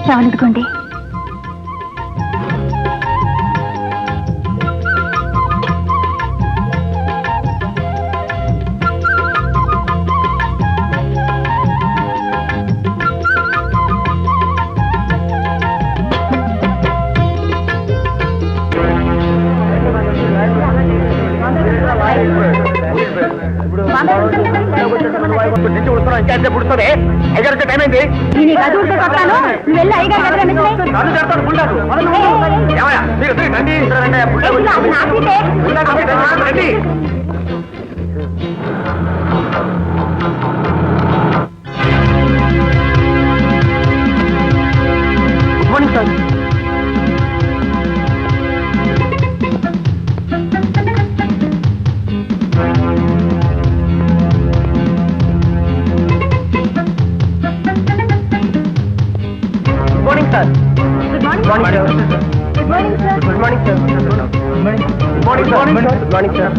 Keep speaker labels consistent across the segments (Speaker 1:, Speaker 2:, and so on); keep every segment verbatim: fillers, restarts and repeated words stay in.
Speaker 1: చావనుకోండి.
Speaker 2: Time అయింది.
Speaker 1: వెళ్ళి అయ్యగారు
Speaker 2: morning sir.
Speaker 1: Good morning good morning sir.
Speaker 2: Good morning sir. Good morning good morning sir. Good morning sir.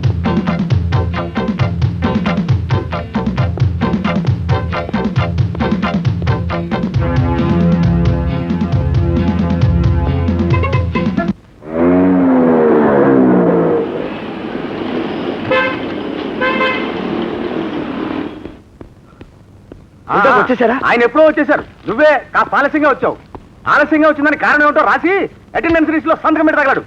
Speaker 2: వచ్చేసారా? ఆయన ఎప్పుడో వచ్చేసారు. నువ్వే కాస్త ఆలస్యంగా వచ్చావు. ఆలస్యంగా వచ్చిందని కారణం ఏమిటో రాసి అటెండెన్స్ లిస్ట్ లో సంతకం పెట్టి తగలడు.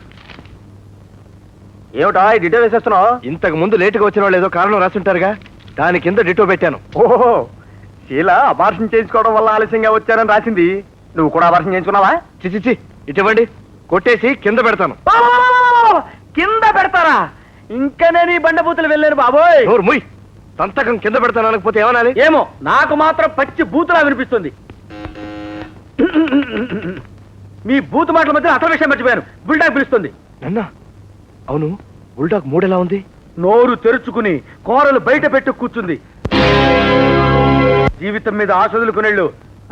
Speaker 2: ఏమిటా డిటో వేసేస్తున్నావు? ఇంతకు ముందు లేటుగా వచ్చిన వాళ్ళు ఏదో కారణం రాసుంటారుగా, దాని కింద డిటో పెట్టాను. ఓహో, శీల అబార్షన్ చేయించుకోవడం వల్ల ఆలస్యంగా వచ్చారని రాసింది. నువ్వు కూడా అబార్షన్ చేయించుకున్నావా? చిచిచి, ఇటువంటి కొట్టేసి కింద పెడతాను. కింద పెడతారా? ఇంకా నేను ఈ బండబూతులు వెళ్ళాను బాబోయ్. ముయ్, సంతకం కింద పెడతాను అనకపోతే ఏమనాలి? ఏమో, నాకు మాత్రం పచ్చి బూతులా వినిపిస్తుంది. మీ బూతు మాటల మధ్య అసలు విషయం మర్చిపోయాను. బుల్డాగ్ పిలుస్తుంది. అన్నా, అవును, బుల్డాగ్ మూడెలా ఉంది? నోరు తెరుచుకుని కోరలు బయట పెట్టు కూర్చుంది. జీవితం మీద ఆశ వదులుకునేళ్ళు.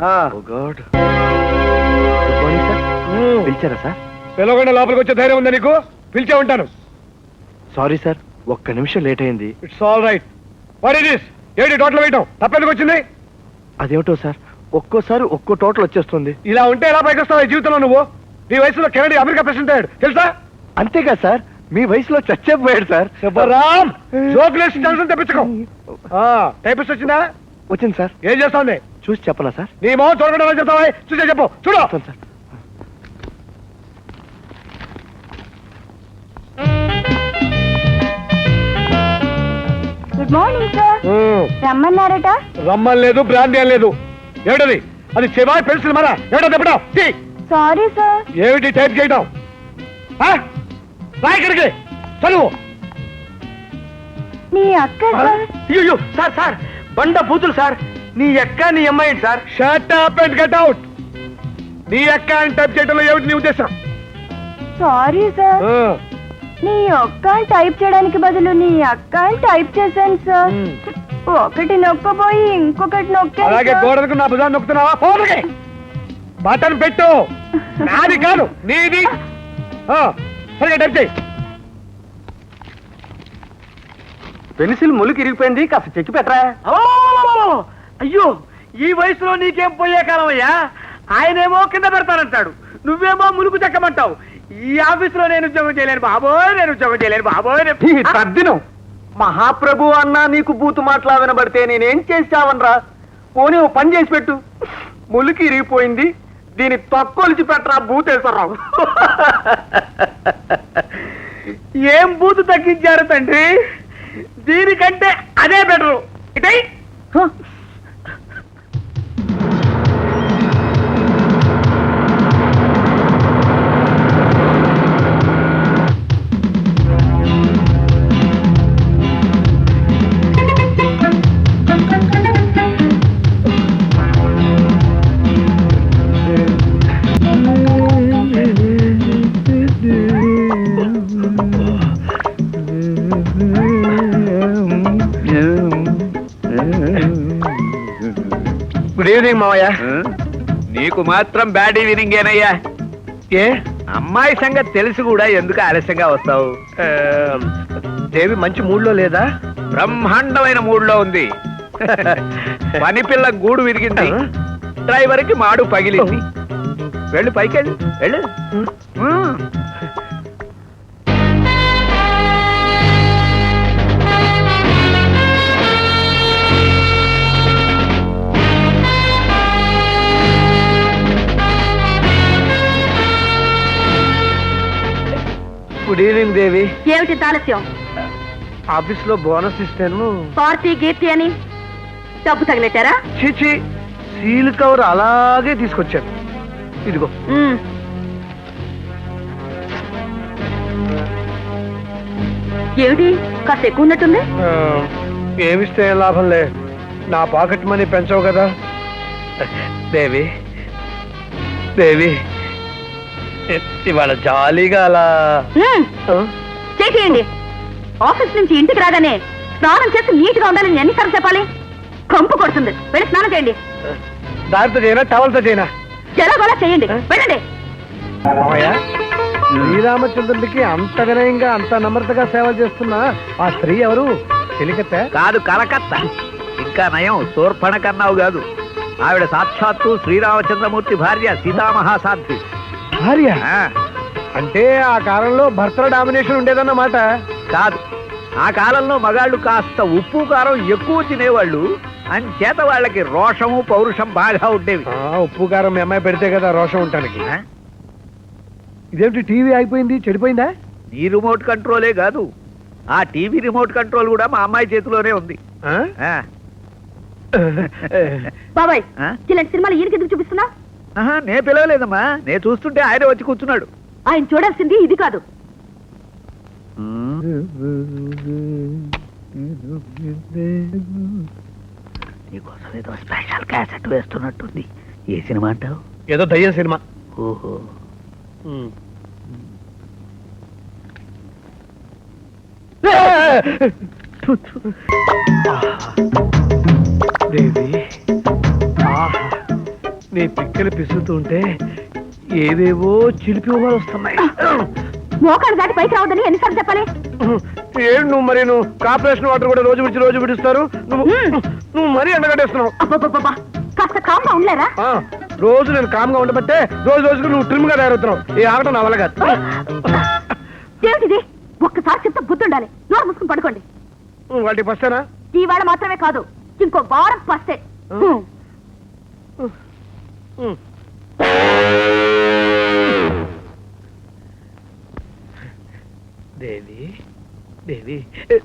Speaker 2: పిలిచారా సార్? పిలవకుండా లోపలికి వచ్చే ధైర్యం ఉందా నీకు? పిలిచే ఉంటాను. సారీ సార్, ఒక్క నిమిషం లేట్ అయింది. It's all right. What is this? ఏంటి టోటల్ వేయటం? తప్పెందుకు వచ్చింది? అదేమిటో సార్, ఒక్కోసారి ఒక్కో టోటల్ వచ్చేస్తుంది. ఇలా ఉంటే ఎలా పైకి వస్తావు ఈ జీవితంలో? నువ్వు నీ వయసులో కెనడీ అమెరికా ప్రెసిడెంట్ అయ్యాడు తెలుసా? అంతేగా సార్, మీ వయసులో చచ్చేపోయాడు సార్. శుభరామ్, జోకులేసి టెన్షన్ తెప్పించుకో. టైపిస్ట్ వచ్చిందా? వచ్చింది సార్. ఏం చేస్తాంది? చూసి చెప్పనా సార్? నీ మొహం చూడకుండా చెప్తావా? చూసే చెప్పు. చూడు సార్.
Speaker 1: Good morning sir. రమ్మన్నారట?
Speaker 2: రమ్మని లేదు, బ్రాంతి అని లేదు. ఏమిటది? అది చెవాయి పెన్సిల్ మరా? ఏమిటో చెప్పడం?
Speaker 1: Sorry sir.
Speaker 2: ఏమిటి టైప్ చేయడం? ఇక్కడికి చదువు.
Speaker 1: నీ అక్క సార్.
Speaker 2: అయ్యో సార్, సార్ బండ బూతులు సార్. నీ అక్క నీ అమ్మాయి sir. Shut up and get out. నీ అక్క అని టైప్ చేయడంలో ఏమిటి నీ ఉద్దేశం?
Speaker 1: సారీ సార్, నీ ఒక్క టైప్ చేయడానికి బదులు నీ అక్క అని టైప్ చేశాను సార్. ఒకటి నొక్కబోయి ఇంకొకటి నొక్కాను.
Speaker 2: అలాగే గోడలకు నా భుజాన్ని నొక్కుతున్నావా? పోదుకే బటన్ పెట్టు. నాది కాదు, నీది. సరిగా టైప్ చేయి. పెన్సిల్ ములుకు ఇరిగిపోయింది, కాస్త చెక్కి పెట్టరా. అయ్యో, ఈ వయసులో నీకేం పోయే కాలం అయ్యా. ఆయనేమో కింద పెడతానంటాడు, నువ్వేమో ములుకు చెక్కమంటావు. ఈ ఆఫీసులో నేను ఉద్యోగం చేయలేను బాబోయ్, నేను ఉద్యోగం చేయలేను బాబోయ్. తద్దినం మహాప్రభు అన్నా నీకు బూతు మాటలా వినబడితే నేనేం చేసావనరా? పోనీ ఓ పని చేసి పెట్టు. ములికి ఇరిగిపోయింది, దీని తొక్కొలిచి పెట్టరా బూతేశ్వరరావు. ఏం బూతు తగ్గించారు తండ్రి? దీనికంటే అదే బెటరు. ఇటై గుడ్ ఈవినింగ్ మావయ్య.
Speaker 3: నీకు మాత్రం బ్యాడ్ ఈవినింగ్ ఏనయ్యా?
Speaker 2: ఏ
Speaker 3: అమ్మాయి సంగతి తెలిసి కూడా ఎందుకు ఆలస్యంగా వస్తావు?
Speaker 2: దేవి మంచి మూడ్లో లేదా?
Speaker 3: బ్రహ్మాండమైన మూడ్లో ఉంది. పని పిల్ల గూడు విరిగింది, డ్రైవర్ కి మాడు పగిలింది, వెళ్ళు పైకి వెళ్ళు వెళ్ళు ఉమ్.
Speaker 2: గుడ్ ఈవినింగ్ దేవి.
Speaker 1: ఏమిటి ఆలస్యం?
Speaker 2: ఆఫీస్ లో బోనస్ ఇస్తాను.
Speaker 1: పార్టీ గీర్తి అని డబ్బు తగిలెట్టారా?
Speaker 2: చీచి, సీల్ కవర్ అలాగే తీసుకొచ్చాను. ఇదిగో.
Speaker 1: ఉమ్. ఏమిటి కాస్త ఎక్కువ ఉన్నట్టుంది?
Speaker 2: ఆ, ఏమిస్తే ఏం లాభంలే, నా పాకెట్ మనీ పెంచవు కదా. దేవి దేవి ఇవాళ జాలీగా అలా
Speaker 1: ఉమ్.
Speaker 2: ఆ?
Speaker 1: చేసేయండి. ఆఫీస్ నుంచి ఇంటికి రాగానే స్నానం చేసి నీట్ గా ఉండాలని ఎన్నిసార్లు చెప్పాలి? కంపు కొడుతుంది. వెళ్ళి స్నానం చేయండి.
Speaker 2: దారితో చేయనా టవల్తో చేయనా?
Speaker 1: జలగోలా చేయండి. వెళ్ళండి.
Speaker 2: మామయ్య, శ్రీరామచంద్రుడికి అంత వినయంగా అంత నమ్రతగా సేవ చేస్తున్న ఆ స్త్రీ ఎవరు? చెలికత్త?
Speaker 3: కాదు, కలకత్తా. ఇంకా నయం, శూర్పణఖన్నావు కాదు. ఆవిడ సాక్షాత్తు శ్రీరామచంద్రమూర్తి భార్య సీతామహాసాధ్వి.
Speaker 2: భార్య?
Speaker 3: ఆ,
Speaker 2: అంటే ఆ కాలంలో భర్తల డామినేషన్ ఉండేదన్నమాట.
Speaker 3: కాదు, ఆ కాలంలో మగాళ్ళు కాస్త ఉప్పు కారం ఎక్కువ తినేవాళ్ళు. అంచేత వాళ్ళకి రోషము పౌరుషం బాగా ఉండేవి.
Speaker 2: ఆ, ఉప్పు కారం మీ అమ్మాయి పెడితే కదా రోషం ఉంటానికి.
Speaker 3: ఆ?
Speaker 2: ఇదేమిటి టీవీ అయిపోయింది, చెడిపోయిందా?
Speaker 3: నీ రిమోట్ కంట్రోలే కాదు, ఆ టీవీ రిమోట్ కంట్రోల్ కూడా మా అమ్మాయి చేతిలోనే ఉంది.
Speaker 2: ఆ?
Speaker 3: ఆ.
Speaker 1: బాబాయ్,
Speaker 3: ఆ?
Speaker 1: ఇలాంటి సినిమాలు ఈయనకి ఎందుకు చూపిస్తున్నా?
Speaker 3: ఆహా, నే పిలవలేదమ్మా, నేను చూస్తుంటే ఆయన వచ్చి కూర్చున్నాడు.
Speaker 1: ఆయన చూడాల్సింది ఇది కాదు.
Speaker 3: నీకోసం ఏదో స్పెషల్ క్యాసెట్ వేస్తున్నట్టుంది. ఏ సినిమా అంటావు?
Speaker 2: ఏదో దయ్యం సినిమా.
Speaker 3: ఓహో.
Speaker 2: దేవి, ఆహా, నీ పిక్కలు పిసుతుంటే ఏవేవో చిలిపి ఊహలు వస్తున్నాయి.
Speaker 1: మోకాడు దాటి పైకి రావద్దని ఎన్నిసార్లు చెప్పాలి?
Speaker 2: ఏడు నువ్వు మరి నువ్వు కార్పొరేషన్ వాటర్ కూడా రోజు విడిచి రోజు విడుస్తారు. నువ్వు నువ్వు మరీ ఎండగట్టేస్తున్నావు.
Speaker 1: అబ్బబ్బబ్బబ్బా, కాస్త కామ్గా ఉండలేరా?
Speaker 2: ఆ, రోజు నేను కామ్గా ఉండబట్టే రోజు రోజుకు నువ్వు ట్రిమ్ గా తయారవుతున్నావు. ఈ ఆగటం నా వల్ల కాదు.
Speaker 1: ఏమిటిది? ఒక్కసారి చెప్తే బుద్ధి ఉండాలి. నోరు మూసుకుని పడుకోండి.
Speaker 2: వాటికి వస్తానా?
Speaker 1: ఈవేళ మాత్రమే కాదు, ఇంకో వారం పస్తే.
Speaker 2: దేవి దేవి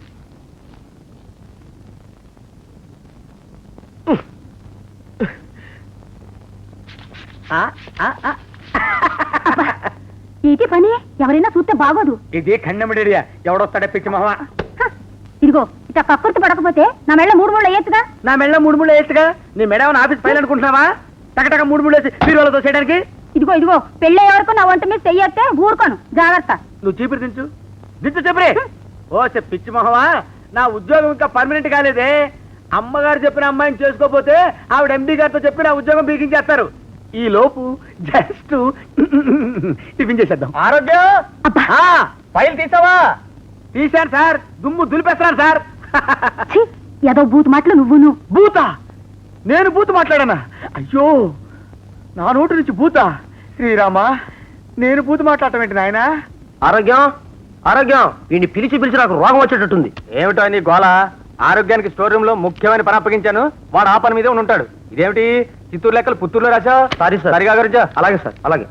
Speaker 1: ఇది పని ఎవరైనా చూస్తే బాగోదు.
Speaker 2: ఇది ఖండమిడేరియా, ఎవడొస్తాడే పిచ్చి మొహమా?
Speaker 1: హ, ఇదిగో ఇట్లా కక్కుర్తి పడకపోతే నా మెళ్ళ మూడు మూడు వేయచ్చుగా.
Speaker 2: నా మెళ్ళ మూడు మూడు వేయచ్చుగా. నీ మెడ ఏమైనా ఆఫీస్ ఫైల్ అనుకుంటున్నావా? టకటక మూడు మూడు వేసి బీరువాలతో చేయడానికి.
Speaker 1: ఇదిగో ఇదిగో పెళ్ళే వరకు నా వంట మీద చెయ్యొస్తే ఊరుకోను. జాగ్రత్త.
Speaker 2: నువ్వు చీపురు దించు దించు చీపురే. ఓ పిచ్చి మొహమా, నా ఉద్యోగం ఇంకా పర్మనెంట్ కాలేదే. అమ్మగారు చెప్పిన అమ్మాయిని చేసుకోపోతే ఆవిడ ఎండి గారితో చెప్పి నా ఉద్యోగం బీకించేస్తారు. ఈ లోపు జస్ట్ టిఫిన్ చేసేద్దాం. ఆరోగ్యం, ఫైల్ తీసావా? తీశాను సార్, దుమ్ము దులిపేస్తున్నాను సార్.
Speaker 1: ఛీ, ఏదో బూత్ మాటలు నువ్వును.
Speaker 2: బూతా? నేను బూత్ మాట్లాడానా? అయ్యో, నా నోటి నుంచి బూతా? శ్రీరామా, నేను బూత్ మాట్లాడటం ఏంటి నాయనా? ఆరోగ్యం ఆరోగ్యం, వీడిని పిలిచి పిలిచి నాకు రోగం వచ్చేటట్టుంది. ఏమిటో నీ గోళ? ఆరోగ్యానికి స్టోర్ రూమ్ లో ముఖ్యమైన పని అప్పగించాను, వాడు ఆ పని మీదే ఉంటాడు. ఇదేమిటి చిత్తూరు లెక్కలు పుత్తూరులో రాసా? Sorry sir. సరిగా గురించా? అలాగే సార్, అలాగే.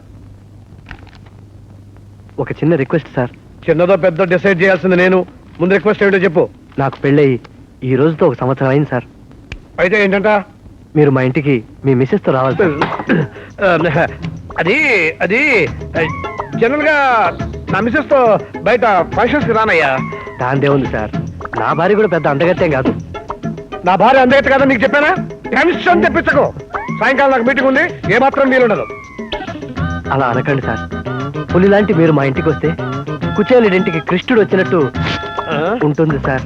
Speaker 2: ఒక చిన్న రిక్వెస్ట్ సార్. చిన్నదో పెద్ద డిసైడ్ చేయాల్సింది నేను. ముందు రిక్వెస్ట్ ఏమిటో చెప్పు. నాకు పెళ్ళయి ఈ రోజుతో ఒక సంవత్సరం అయింది సార్. అయితే ఏంటంట? మీరు మా ఇంటికి మీ మిస్సెస్ తో రావాలి సార్. అది అది జనరల్ గా నా మిస్సెస్ తో బయట ఫంక్షన్స్ కి రానయ్యా. దాందే ఉంది సార్, నా భార్య కూడా పెద్ద అందగత్తేం కాదు. నా భార్య అందగత్తే కాదని నీకు చెప్పానా? టెన్షన్ తెప్పించకు. సాయంకాలం నాకు మీటింగ్ ఉంది, ఏ మాత్రం వీలుండదు. అలా అనకండి సార్. పులి లాంటి మీరు మా ఇంటికి వస్తే కుచేలుడింటికి కృష్ణుడు వచ్చినట్టు ఉంటుంది సార్.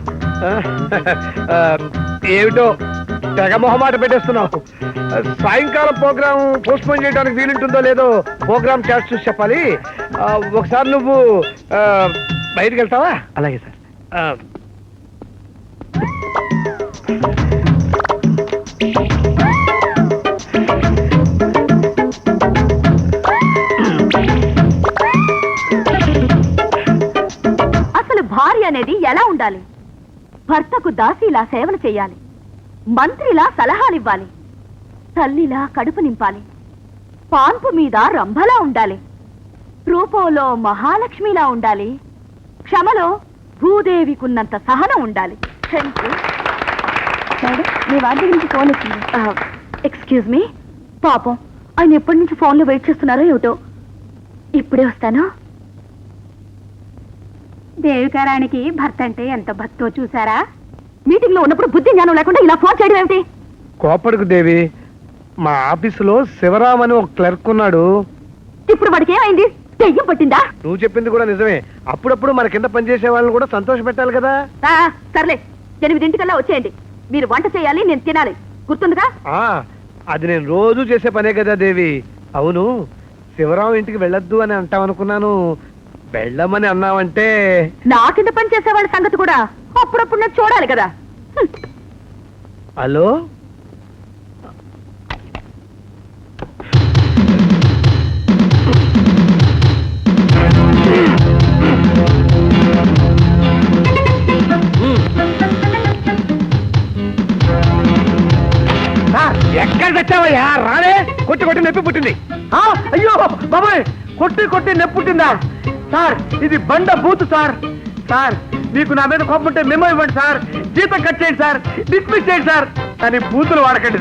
Speaker 2: ఏమిటో తెగ మొహమాట పెట్టేస్తున్నావు. సాయంకాలం ప్రోగ్రామ్ పోస్ట్ పోన్ చేయడానికి వీలుంటుందో లేదో ప్రోగ్రామ్ క్యాష్ చూసి చెప్పాలి. ఒకసారి నువ్వు బయటకు వెళ్తావా? అలాగే సార్.
Speaker 1: భార్య అనేది ఎలా ఉండాలి? భర్తకు దాసీలా సేవలు చేయాలి, మంత్రిలా సలహాలివ్వాలి, తల్లిలా కడుపు నింపాలి, పాన్పు మీద రంభలా ఉండాలి, రూపంలో మహాలక్ష్మిలా ఉండాలి, క్షమలో భూదేవికున్నంత సహనం ఉండాలి. మేడం, మీ వారి గురించి ఫోన్ వచ్చింది. ఎక్స్క్యూజ్ మీ, పాపం ఆయన ఎప్పటి నుంచి ఫోన్లో వెయిట్ చేస్తున్నారో ఏమిటో. ఇప్పుడే వస్తాను. దేవికారానికి భర్త అంటే ఎంత భక్తో చూసారా? మీటింగ్ లో ఉన్నప్పుడు బుద్ధి జ్ఞానం లేకుండా ఇలా ఫోన్ చేయడం ఏమిటి?
Speaker 2: కోపడుకు దేవి, మా ఆఫీసులో శివరామ్ అని ఒక క్లర్క్ ఉన్నాడు.
Speaker 1: ఇప్పుడు వాడికి ఏమైంది? దెయ్యం పట్టిందా?
Speaker 2: నువ్వు చెప్పింది కూడా నిజమే. అప్పుడప్పుడు మన కింద పనిచేసే వాళ్ళని కూడా సంతోష పెట్టాలి కదా.
Speaker 1: ఆ, సర్లే, ఎనిమిదింటికల్లా వచ్చేయండి. మీరు వంట చేయాలి, నేను తినాలి. గుర్తుందిగా?
Speaker 2: ఆ, అది నేను రోజు చేసే పనే కదా దేవి. అవును, శివరాం ఇంటికి వెళ్ళొద్దు అని అంటామనుకున్నాను. వెళ్ళమని అన్నావంటే
Speaker 1: నా కింద పని చేసే వాళ్ళ సంగతి కూడా అప్పుడప్పుడు నేను చూడాలి కదా. హ్మ్.
Speaker 2: హలో, ఎక్కడ తెచ్చావయ్యా? రాలే, కొట్టి కొట్టి నొప్పి పుట్టింది. అయ్యో బాబాయ్, కొట్టి కొట్టి నొప్పి పుట్టిందా? సార్, ఇది బండ బూత్ సార్. సార్, మీకు నా మీద కోపం ఉంటే మెమో ఇవ్వండి సార్. జీతం కట్ చేయండి సార్, డిస్మిస్ చేయండి సార్. కానీ బూతులు వాడకండి.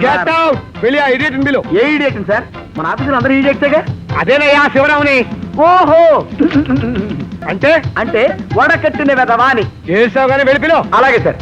Speaker 2: ఏ ఇడియట్ సార్? మన ఆఫీసులో అందరూ ఇడియట్సేగా. అదేనయ్యా శివరాముని. ఓహో, అంటే అంటే వడకట్టిన వెదవా అని. చేసావు కానీ వెళ్ళిపోయి. అలాగే సార్.